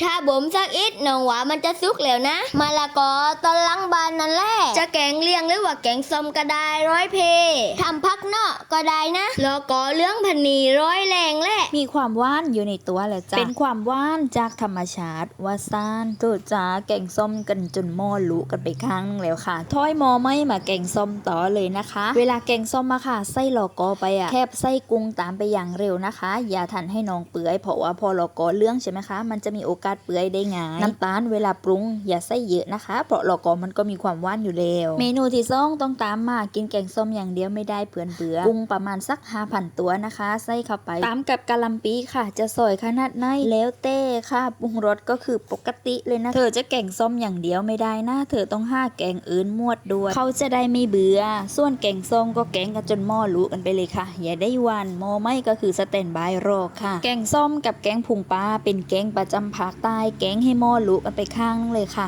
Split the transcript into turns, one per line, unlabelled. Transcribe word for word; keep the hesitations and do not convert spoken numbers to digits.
ถ้าบ่มสักอิดน้องว่ามันจะสุกแล้วนะมะละกอตอนหลังบานนั่นแหละจะแกงเลียงหรือว่าแกงส้มก็ได้ร้อยเพทำพักเนาะก็ได้นะแล้วก็เรื่องพันนีร้อยแรงแหละ
มีความหวานอยู่ในตัวแหละจ้ะเป็นความหวานจากธรรมชาติว่าซ่านโตจ้าแกงส้มกันจนหม้อลุกันไปข้างนึงแล้วค่ะถ้อยหม้อไม่มาแกงส้มต่อเลยนะคะ เวลาแกงส้มมาค่ะใส่ลอกอไปอ่ะแคบใส่กุ้งตามไปอย่างเร็วนะคะ อย่าทันให้น้องเปื่อยเพราะว่าพอลอกอเรื่องใช่ไหมคะมันจะมีโอกาสเปื่อยได้ง่ายน้ำตาลเวลาปรุงอย่าใส่เยอะนะคะเพราะลอกอมันก็มีความหวานอยู่แล้วเมนูที่สองต้องตามมากินแกงส้มอย่างเดียวไม่ได้เปื่อนเบื่อกุ้งประมาณสัก ห้าพัน ตัวนะคะใส่เข้าไปตามกับกะหล่ำปีค่ะจะสอยขนาดไหนแล้วเต้ค่ะปรุงรสก็คือปกติเลยนะเธอจะแกงส้มอย่างเดียวไม่ได้นะเธอต้องห้าแกงอื่นมวดด้วยเขาจะได้ไม่เบื่อส่วนแกงส้มก็แกงกันจนหม้อลุกันไปเลยค่ะอย่าได้หวันหม้อไม่ก็คือสแตนบายรอค่ะแกงส้มกับแกงพุงปลาเป็นแกงประจำภาคใต้แกงให้หม้อลุกันไปข้างนึงเลยค่ะ